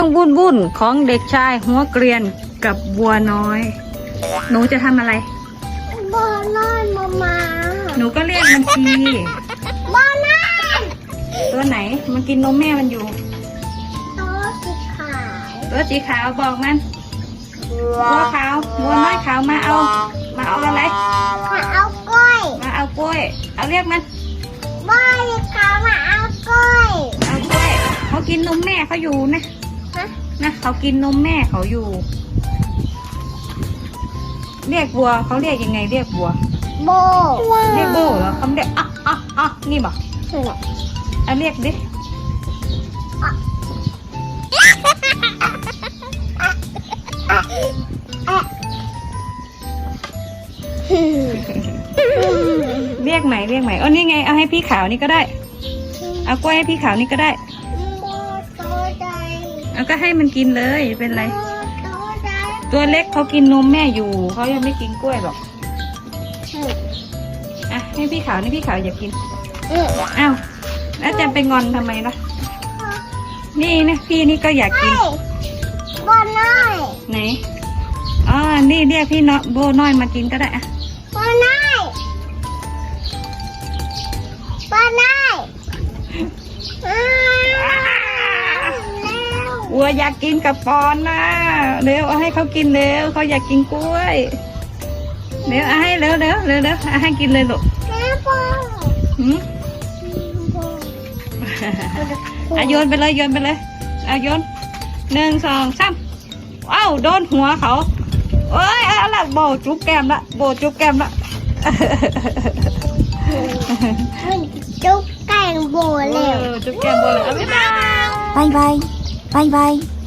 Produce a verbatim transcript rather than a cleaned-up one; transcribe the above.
วุ่นวุ่นของเด็กชายหัวเกรียนกับบัวน้อย หนูจะทำอะไรบัวน้อยมามาหนูก็เรียกมันทีบัวน้อยตัวไหนมันกินนมแม่มันอยู่ตัวสีขาวตัวสีขาวบอกมันบัวขาวบัวน้อยขาวมาเอามาเอาอะไรมาเอากล้วยมาเอากล้วยเอาเรียกมันบัวสีขาวมาเอากล้วยเอากล้วยเขากินนมแม่เขาอยู่นะนะเขากินนมแม่เขาอยู่เรียกบัวเขาเรียกยังไงเรียกบัวโบเรียกโบเหรอเขาเรียกอ่ะอ่ะอ่ะนี่บอกเอาเรียกดิเรียกใหม่เรียกใหม่อ๋อนี่ไงเอาให้พี่ขาวนี่ก็ได้เอากล้วยให้พี่ขาวนี่ก็ได้เอาก็ให้มันกินเลยเป็นไรตัวเล็กเขากินนมแม่อยู่เขายังไม่กินกล้วยหรอกอ่ะให้พี่ขาวนี่พี่ขาวอยากกินอ้าวแล้วจะไปงอนทำไมล่ะนี่นะพี่นี่ก็อยากกินโบน้อยไหนอ๋อนี่เรียกพี่น้อยโบน้อยมากินก็ได้อะโบน้อยโบน้อยวัวอยากกินกับปอนนะเร็วเอาให้เขากินเร็วเขาอยากกินกล้วยเร็วเอาให้เร็วเร็วเร็วเร็วเอาให้กินเลยลูกหืมอ่ะโยนไปเลยโยนไปเลยเอาโยนหนึ่งสองสามว้าวโดนหัวเขาเอ้ยเอาละโบจุ๊บแก้มละโบจุ๊บแก้มละจุ๊บแก้มโบเลยจุ๊บแก้มโบเลยบ๊ายบายバイバイバイバイ